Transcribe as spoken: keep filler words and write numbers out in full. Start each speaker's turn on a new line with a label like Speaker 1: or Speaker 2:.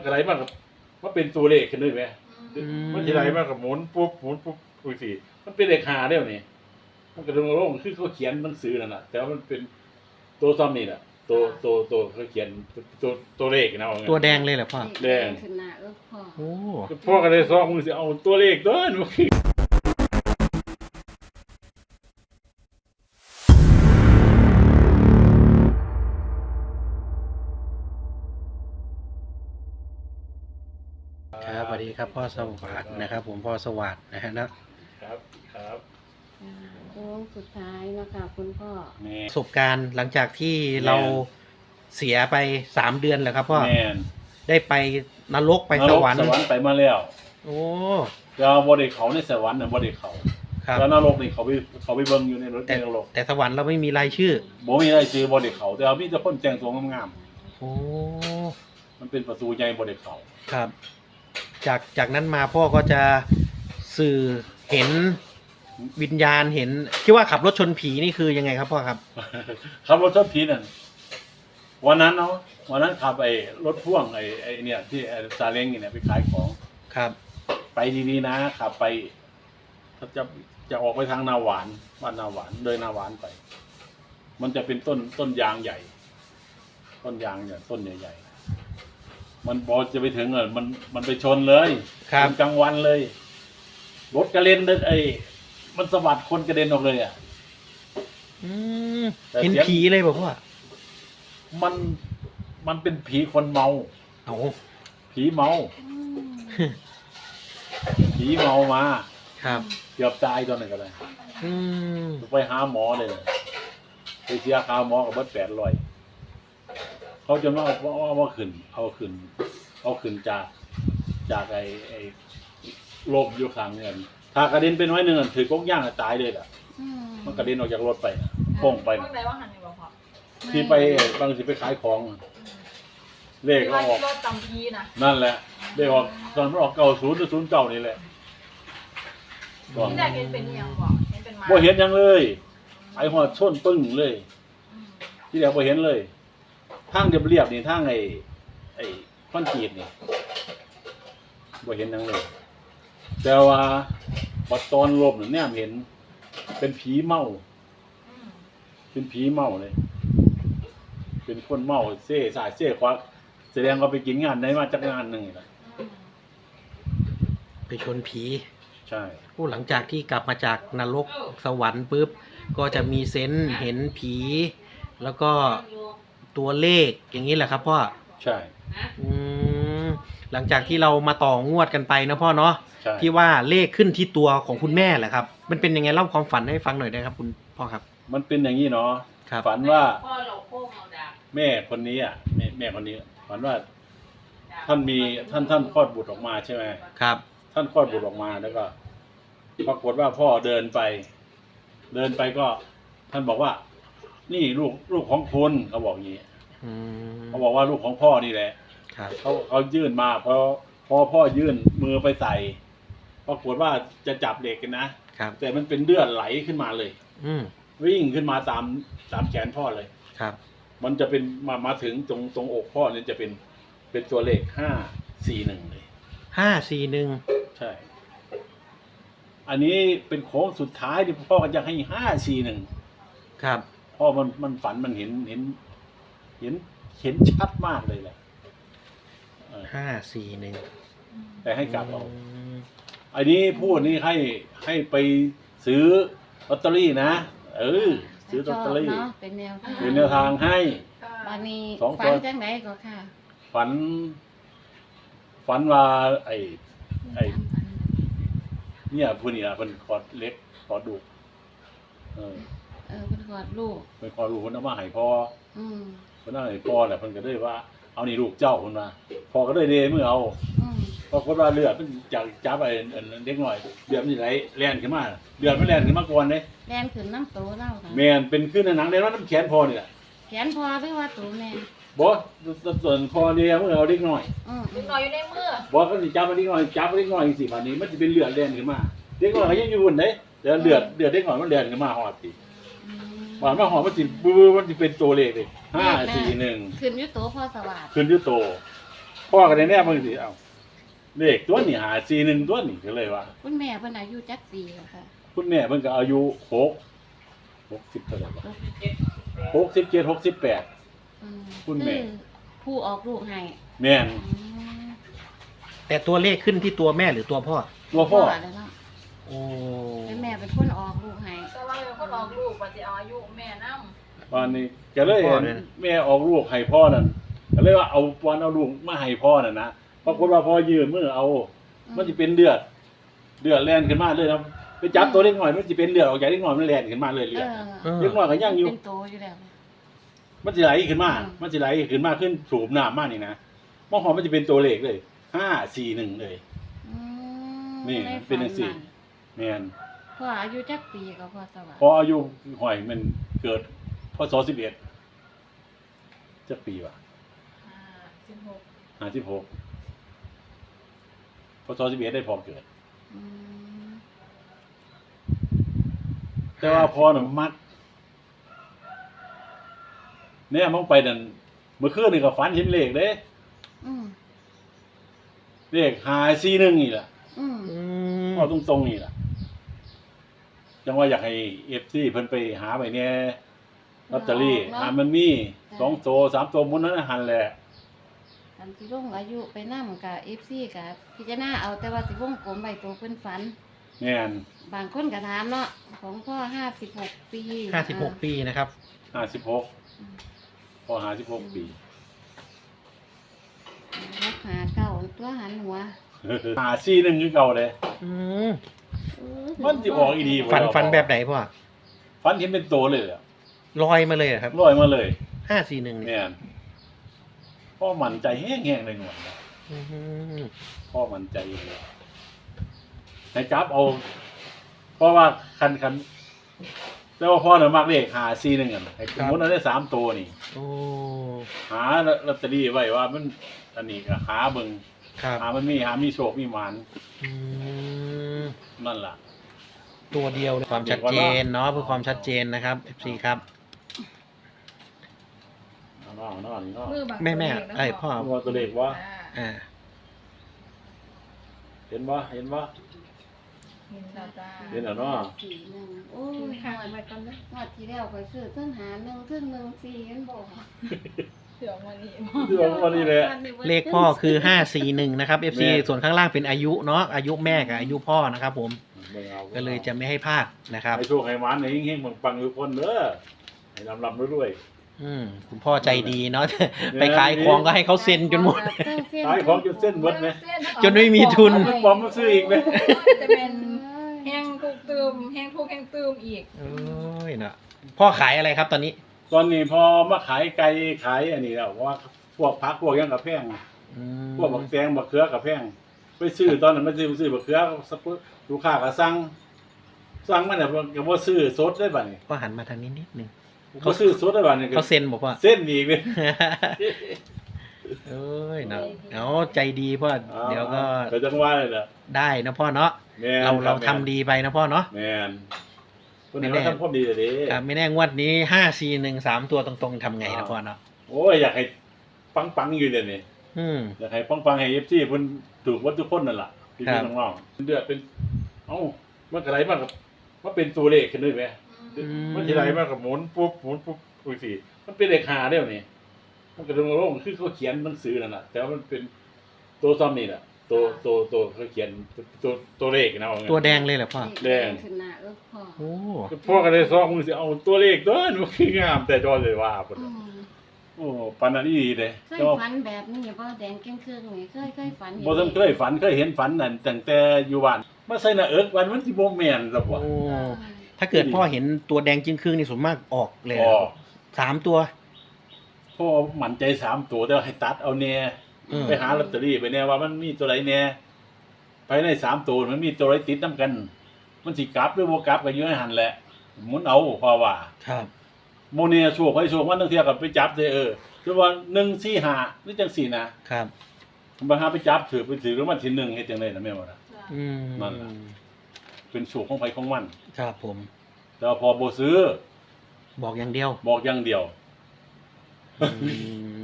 Speaker 1: อะไรมากกับว่าเป็นตัวเลขขึ้นด้วยไหมมันจะอะไรมากกับหมุนปุ๊บหมุนปุ๊บปุ๊บสิมันเป็นเลขหาได้ไหมมันกระดงโล่งคือเขาเขียนหนังสือนั่นแหละแต่ว่ามันเป็นตัวซ้ำนี่แหละตัวตัวตัวเขาเขียนตัวตัวเลขนะว่าไง
Speaker 2: ตัวแดงเลยเหรอพ่อ
Speaker 1: แดง
Speaker 3: ขึ้นหน้าเออพ่อ
Speaker 2: โอ้
Speaker 1: พ่อก็เลยซ้อมมือสิเอาตัวเลขเด้อหนู
Speaker 2: ครับสวัสดีครับพ่อสวัสดิ์นะครับ ผมพ่อสวัสดิ์นะฮะนะครับ
Speaker 1: ครับ
Speaker 3: อ่าโค้งสุดท้ายเนาะคะคุณพ่อ
Speaker 1: แม่
Speaker 2: ประสบการณ์หลังจากที่เราเสียไปสามเดือนแล้วครับพ่อ
Speaker 1: แม่น
Speaker 2: ได้ไปนรกไปสวรรค์
Speaker 1: สวรรค์ไปมาแล้ว
Speaker 2: โอ้
Speaker 1: แต่ว่าบ่ได้เขาในสวรรค์น่ะบ่ได้เขา
Speaker 2: ครับ
Speaker 1: แล้วนรกนี่เขาไปเขาไปเบิ่งอยู่ในรถ
Speaker 2: แต่
Speaker 1: ในนรก
Speaker 2: แต่สวรรค์เราไม่มีรายชื่อ
Speaker 1: บ่มีอะไรซื้อบ่ได้เขาแต่ว่ามีแต่คนแต่งตัวงาม
Speaker 2: โอ้
Speaker 1: ๆมันเป็นประตูใหญ่บ่ได้เขา
Speaker 2: ครับ จากจากนั้นมาพ่อก็จะสื่อเห็นวิญญาณเห็นคิดว่าขับรถชนผีนี่คือยังไงครับพ่อครับ
Speaker 1: ขับรถชนผีนั่นวันนั้นเนาะวันนั้นขับไอ้รถพ่วงไอ้ไอ้เนี่ยที่ไอ้ซาเล้งนี่เนี่ยไปขายของ
Speaker 2: ครับ
Speaker 1: ไปดีๆนะขับไปถ้าจะจะออกไปทางนาหวานบ้านนาหวานเลยนาหวานไป มันจะเป็นต้นต้นยางใหญ่ ต้นยางเนี่ยต้นใหญ่ๆมันพอจะไปถึงอ่ะมันมันไปชนเลย
Speaker 2: ครับ
Speaker 1: ชนกลางวันเลยรถกระเด็นเลยไอ้มันสะบัดคนกระเด็นออกเลยอ่ะ
Speaker 2: อืม
Speaker 1: แต่
Speaker 2: เห็น
Speaker 1: เสียง
Speaker 2: ผีเลยบอกว่า
Speaker 1: มันมันเป็นผีคนเมา
Speaker 2: เอา
Speaker 1: ผีเมา ผีเมามา
Speaker 2: ครับ
Speaker 1: เกือบตายตอนนั้นก็เลย
Speaker 2: อืม
Speaker 1: ไปหาหมอเลยไปเสียค่าหมอกับเบิดแปดร้อยเขาจะมาเอาเอามาขึ้น เอาขึ้น เอาขึ้นจากจากไอ้ไอ้โรคอยู่ข้างเงินถ้ากระเด็นเป็นไว้หนึ่งอะถือกกย่างอะตายเลยล่ะ
Speaker 3: อืม
Speaker 1: มันกระเด็นออกจากรถไปน่ะโป่งไป
Speaker 4: พว
Speaker 1: น่ะ
Speaker 4: กไหนว่าหันอยู่บ่พอ
Speaker 1: ที่ไปบางทีไปขายของอะเลขก็ออก
Speaker 4: รถจำพีนะ
Speaker 1: นั่นแหละเลขออกตอนมันออกเก่าศูนย์หรือศูนย์เก่านี่แหละก่อน
Speaker 4: ที่แรกเห็นเป็นยังบ่เห็นเป็นมา
Speaker 1: บ่เห็นยังเลย ไอ้หัวชนปึ้งเลย
Speaker 4: อืม
Speaker 1: ที่แรกบ่เห็นเลยทางเรียบๆนี่ทางไอ้ไอ้คอนกรีตนี่บ่เห็นยังเลย แต่ว่าบัดตอนลมน่ะเนี่ยเห็น เป็นผีเมา
Speaker 4: อืม
Speaker 1: เป็นผีเมาเลย เป็นคนเมาเซ่สายเซ่ขวาแสดงว่าไปกินงานได้มาจากงานหนึ่งนี่แหละ
Speaker 4: อืม
Speaker 2: ไปชนผี
Speaker 1: ใช่
Speaker 2: ผู้หลังจากที่กลับมาจากนรกสวรรค์ปุ๊บก็จะมีเซนส์เห็นผี แล้วก็ตัวเลขอย่างนี้แหละครับพ่อ
Speaker 1: ใช่
Speaker 2: อืมหลังจากที่เรามาต่องวดกันไปนะพ่อเนาะ
Speaker 1: ใช่
Speaker 2: ที่ว่าเลขขึ้นที่ตัวของคุณแม่แหละครับ มันเป็นยังไงเล่าความฝันให้ฟังหน่อยได้ครับ คุณพ่อครับ
Speaker 1: มันเป็นอย่างนี้เนาะ
Speaker 2: ครับ
Speaker 1: ฝันว่า
Speaker 4: พ่อเราโค้งเอาดาบ
Speaker 1: แม่คนนี้อ่ะแม่แม่คนนี้ ฝันว่า ท่านมีท่านท่านคลอดบุตรออกมาใช่ไหม
Speaker 2: ครับ
Speaker 1: ท่านคลอดบุตรออกมาแล้วก็ปรากฏว่าพ่อเดินไป เดินไปก็ ท่านบอกว่า นี่ลูกลูกของคุณเขาบอกอย่างนี้
Speaker 2: อืม
Speaker 1: เขาบอกว่าลูกของพ่อนี่แหละ
Speaker 2: ครับ
Speaker 1: เขาเขายื่นมาพอพอพ่อยื่นมือไปใส่ปรากฏว่าจะจับเด็กกันนะครับ แต่มันเป็นเลือดไหลขึ้นมาเลย
Speaker 2: อืม
Speaker 1: วิ่งขึ้นมาตามตามแขนพ่อเลย
Speaker 2: ครับ
Speaker 1: มันจะเป็นมามาถึงตรงตรงอกพ่อเนี่ยจะเป็นเป็นตัวเลขห้าสี่หนึ่งเลย
Speaker 2: ห้าสี่หนึ่ง
Speaker 1: ใช่ อันนี้เป็นโค้งสุดท้ายที่พ่อก็จะให้ห้าสี่หนึ่ง
Speaker 2: ครับ
Speaker 1: พ่อมันมันฝันมันเห็นเห็น เห็นเห็นชัดมากเลยแหละเออ
Speaker 2: ห้าสี่หนึ่ง
Speaker 1: แต่ให้กลับเอาอันนี้พูดนี่ให้ให้ไปซื้อลอตเตอรี่นะเออซื้อลอตเตอรี่
Speaker 3: ชบเนาะเป็นแนวทาง
Speaker 1: เป็นแนวทางให้
Speaker 3: บานี้
Speaker 1: สอง
Speaker 3: ฝั
Speaker 1: ตั
Speaker 3: น
Speaker 1: ว
Speaker 3: จังไหนก็ค่ะ
Speaker 1: ฝัน ฝันว่าไอ้ ไอ้ เนี่ยผู้นี่ละเป็นคอร์ดเล็กคอร์ดดุเออ
Speaker 3: เออเป็นกอดลูก
Speaker 1: เป็นคอร์ดดุคนเอามาให้พ่อ
Speaker 3: อืม
Speaker 1: คนเอาให้พ่อแหละเพิ่นก็เลยว่าเอานี่ลูกเจ้าคนมาพ่อก็เลยเดเมื่อเอา
Speaker 3: อืม
Speaker 1: ปรากฏว่าเลือดมันจากจับไอ้อันเด็กหน่อยเลือดมันไหลแล่นขึ้นมาเลือดมันแล่นขึ้นมาก่อนเด้
Speaker 3: แลนขึ้นน้ำโตเล่าค่ะ
Speaker 1: แม่นเป็นขึ้นในหนังเลยว่าน้ำแขนพ่อนี่แหละ
Speaker 3: แขนพอหรือว่าตูแม่
Speaker 1: บ่ส่วนพ่อเนี่ยเมื่อเอาเด็กหน่อย
Speaker 3: อืม
Speaker 4: เล็กน้อยอยู่ในมือ
Speaker 1: บ่ก็สิจับเด็กหน่อยจับเด็กหน่อยจังซี่บัดนี้มันสิเป็นเลือดแล่นขึ้นมาเด็กหน่อยก็ยังอยู่บนเด้เดี๋ยวเลือดเลือดเด็กหน่อยมันแล่นขึ้นมาฮอดสิ
Speaker 3: อืม
Speaker 1: บาดมาฮอดมันสิบื้อมันสิเป็นตัวเลขเลยห้าสี่หนึ่ง
Speaker 3: ขึ้นอยุโตพ่อสวัสดิ์
Speaker 1: ขึ้นอยู่โตพ่อก็ได้แน่เบิ่งสิเอ้าเลขตัวนี้หาสี่หนึ่งตัวนี้ก็เลยว่า
Speaker 3: คุณแม่เพิ่นอายุจักปีแล้วค่ะ
Speaker 1: คุณแม่เพิ่นก็อายุหก หกสิบเท่าไหร่วะหกสิบเจ็ด หกสิบแปด
Speaker 3: อืม
Speaker 1: คุณแม่
Speaker 3: อผู้ออกลูกให้
Speaker 1: แม่น
Speaker 3: อืม
Speaker 2: แต่ตัวเลขขึ้นที่ตัวแม่หรือตัวพ่อ
Speaker 1: ตัวพ่อ
Speaker 3: แล้วเนาะ
Speaker 2: โอ้
Speaker 3: เป็นแม่เป็นคนออกลูกให้
Speaker 4: แต่ว่าเป็นคนออกลูกว่าจะเอาอายุแม่นำ
Speaker 1: วันนี้ก็เลยแม่ออกลูกให้พ่อนั่นก็เลยว่าเอาวันเอาลูกมาให้พ่อน่ะนะปรากฏว่าพ่อยืนมือเอา มันจะเป็นเลือดเลือดแล่นขึ้นมาเลยนะไปจับตัวเล็กหน่อยมันจะเป็นเลือดออกจากเล็กหน่อยมันแล่นขึ้นมาเลยเลื
Speaker 3: เอ
Speaker 1: อด
Speaker 3: อ
Speaker 1: เล็กน้อยก็ยังอยู่
Speaker 3: เป็นโตอยู่แล้ว
Speaker 1: มันจะไหลขึ้นมา
Speaker 3: อืม
Speaker 1: มันจะไหลขึ้นมาขึ้นสูบน้ำมากนี่นะมองหอมมันจะเป็นตัวเลขเลยห้าสี่หนึ่งเลย
Speaker 3: อืม
Speaker 1: นี่
Speaker 3: ได้
Speaker 1: เป็นจังซี่
Speaker 3: ฝั
Speaker 1: แม่น
Speaker 3: พ่ออายุจักปีก็พ่อสวัส
Speaker 1: พอ
Speaker 3: ดิ์
Speaker 1: อายุหอยมันเกิดพศสิบเอ็ดจะปีวะ
Speaker 4: อ่าสิบหก
Speaker 1: ห้าสิบหกพศสิบเอ็ดได้พอเกิด
Speaker 3: อืม
Speaker 1: แต่ว่าพอหนุ่มมักเนี่ยมองไปนั่นเมื่อคืนนี่ก็ฝันเห็นเลขเด้
Speaker 3: อืม
Speaker 1: เลขหาสี่หนึ่งนี่แหละ
Speaker 3: อืม
Speaker 2: อืม
Speaker 1: พอตรงตรงๆนี่แหละจังว่าอยากให้เอฟซีเพิ่นไปหาไปเนี่ยลอตเตอรี่หามันมีสองโตสามโตมุนนั้นหันแหละ
Speaker 3: อันที่ลงอายุไปนำกับ เอฟ ซี กับพิจารณาเอาแต่ว่าสิวงกลมใบตัวเพิ่นฝัน
Speaker 1: แม่น
Speaker 3: บางคนก็ถามเนาะของพ่อห้าสิบหกปี
Speaker 2: ห้าสิบหกปีนะครับ
Speaker 1: ห้าสิบหกพอห้าสิบหกปี
Speaker 3: รักหาเก่าตัวหันหัว
Speaker 1: หาสี่หนึ่งคือเก่าเลย
Speaker 2: อืม
Speaker 3: เออ
Speaker 1: มันสิออกอีดีบ่
Speaker 2: ฝันฝันแบบไหนพ่อ
Speaker 1: ฝันเห็นเป็นโตเลยอะ
Speaker 2: ลอยมาเลยเหรอครับ
Speaker 1: ลอยมาเลย
Speaker 2: ห้าสี่หนึ่งเนี่ย
Speaker 1: แม่นพ่อมั่นใจแห้งๆเลยหนวดนะ
Speaker 2: อืม
Speaker 1: พ่อมั่นใจเลยให้จับเอา เพราะว่าคันคันแต่ว่าพ่อเนี่ยมักเลขหาซีหนึ่งอ่ะให้สมมติเราได้สามตัวนี่
Speaker 2: โอ้
Speaker 1: หาลอตเตอรี่ไว้ว่ามันอันนี้ก็หาเบิ่ง
Speaker 2: ครับ
Speaker 1: หามันมีหามีโชคมีหมาน
Speaker 2: อืม
Speaker 1: นั่นล่ะ
Speaker 2: ตัวเดียวเลยความชัดเจนเนาะเพื่อความชัดเจนนะครับ เอฟ ซี ครับ
Speaker 1: เอาเนาะเอาเนาะนี่เนาะ
Speaker 4: มือบาง
Speaker 2: แม่แม่
Speaker 4: ตัวเลขนะ
Speaker 2: ไอ้พ่อ
Speaker 1: เอาตัวเลขว่า
Speaker 4: อ่า
Speaker 2: อ่า
Speaker 1: เห็นบ่เห็นบ่
Speaker 4: เห็นแล้วจ้า
Speaker 1: เห็นแล้วเนาะ
Speaker 3: สี่หนึ่งโอ้ย
Speaker 4: กิน
Speaker 3: ง
Speaker 4: ข้าว
Speaker 3: วด
Speaker 4: มาก่อนนะ
Speaker 3: งวดที่แล้วไปซื้อเพิ่นหาหนึ่งเพิ่นหนึ่งสี่เห็นบอก
Speaker 4: เดี๋ยววันนี้
Speaker 1: เรื่องวันนี้แหละ
Speaker 2: เลขพ่อคือห้าสี่หนึ่งนะครับ เอฟ ซี
Speaker 1: แม่
Speaker 2: ส่วนข้างล่างเป็นอายุเนาะอายุแม่กับอายุพ่อนะครับผม
Speaker 1: เบิ่งอา
Speaker 2: ก็เลยจะไม่ให้พลาดนะครับ
Speaker 1: ให้โชคให้หมานให้เฮงๆปังๆทุกคนเด้อให้ลำๆรวย
Speaker 2: อืมคุณพ่อใจดีเนาะ ไปขายของก็ให้เขาเซ็นจนหมด
Speaker 1: ๆขายของจนเส้นเบิดไหม
Speaker 2: จนไม่มีทุน
Speaker 1: เอาเป็นบอมมาซื้ออีกไหม
Speaker 4: จะเป็นแห้งทุกตืมแห้งทุกแห้งตืมอีก
Speaker 2: โอ้ยเนาะพ่อขายอะไรครับตอนนี้
Speaker 1: ตอนนี้พอมาขายไก่ขายอันนี้แล้วเพราะว่าพวกพักพวกหยังกับแพง
Speaker 2: อืม
Speaker 1: พวกบักแตงบักเขือกับแพงไปซื้อตอนนั้นไม่ซื้อไปซื้อบักเขือสักปุ๊บลูกค้าก็สั่งสั่งมันน่ะก็บ่ซื้อสดได้บัดนี้
Speaker 2: พ่อหันมาทางนี้นิดนึง
Speaker 1: บ่ซื้อสดได้บัดนี้ก็
Speaker 2: เขาเซ็นบอกว่า
Speaker 1: เส้นอีกเลย
Speaker 2: เอ้ยเนาะเอาใจดีพ่อเดี๋ยวก็
Speaker 1: ก็จังว่าเลยล่ะ
Speaker 2: ได้นะพ่อเนาะ
Speaker 1: แม่น
Speaker 2: เรา
Speaker 1: ค
Speaker 2: เรา
Speaker 1: บ
Speaker 2: ทำดีไปนะพ่อเนาะ
Speaker 1: แม่นคน
Speaker 2: ไม่
Speaker 1: นี้
Speaker 2: แน่
Speaker 1: เราทำความดีเลยเด้
Speaker 2: ครับไม่แน่งวดนี้ห้าสี่หนึ่งสามตัวตรงๆทำไงนะพ่อเนาะ
Speaker 1: โอ้ยอยากให้ปังๆอยู่เดี๋ยวนี้
Speaker 2: อืม
Speaker 1: อยากให้ปังๆให้ เอฟ ซี เพิ่นถูกวัดทุกคนนั่นล่ะพี่
Speaker 2: ครับ
Speaker 1: ๆน้องๆเดือดเป็นเอ้ามันก็ไหลมากับมันเป็นตัวเลขขึ้นด้วยไหม มันจะไหลมากับหมุนปุ๊บหมุนปุ๊บปุ๊บสิมันเป็นเลขหาได้ไหมนี่มันก็ลงลงคือเขาเขียนหนังสือนั่นแหละแต่ว่ามันเป็นตัวซ้ำนี่แหละตัวตัวตัวเขาเขียนตัวตัวเลขนะว่าไง
Speaker 2: ตัวแดงเลยเหรอพ่อ
Speaker 1: แดง
Speaker 3: ขึ้นหน้าเออพ่อ
Speaker 2: โอ้
Speaker 1: พ่อก็เลยซอกมือสิเอาตัวเลขเด้อมันคืองามแต่จอเลยว่าพุ่น
Speaker 3: อื
Speaker 1: น่ะ
Speaker 3: ม
Speaker 1: โอ้ปานนั้นอีหลีเด้
Speaker 3: เคย
Speaker 1: แต่ว่า
Speaker 3: ฝันแบบนี้บ่แดงเครื่องๆนี่เคยเคยฝันเห็น
Speaker 1: บ่ทันเคยฝันเคยเห็นฝันนั่นตั้งแต่อยู่บ้านมาใส่หน้าเอิกวันมันสิบ่แม่นซะบ่
Speaker 2: โอ้ถ้าเกิดพ่อเห็นตัวแดงจึงครึ่งนี่ส่วนมากออกเลย
Speaker 1: อ๋อ
Speaker 2: สามตัว
Speaker 1: พ่อมั่นใจสามตัวแต่ว่าให้ตัดเอาแน่
Speaker 2: อืม
Speaker 1: ไปหาลอตเตอรี่ไปแน่ว่ามันมีตัวใดแน่ภายในสามตัวมันมีตัวใดติดนํกัน มันสิกลับหรือบ่กลับก็อยู่ในหันแหละหมุนเอาเพราะว่า
Speaker 2: ครับ
Speaker 1: โมเนียโชคให้โชคมันตั้งเที่ยกับไปจับได้เออคือว่าหนึ่งสี่ห้าหรือจังสี่นะครับ บางหาไปจับถือไปถือแล้วมันที่หนึ่งเฮ็ดจังได๋นะแม่ว่าล่ะ
Speaker 2: อืม
Speaker 1: นั่นล่ะ เป็นโชคของไผของมัน
Speaker 2: ครับผม
Speaker 1: แต่ว่าพอบ่ซื้อ
Speaker 2: บอกอย่างเดียว
Speaker 1: บอกอย่างเดียว
Speaker 2: อืม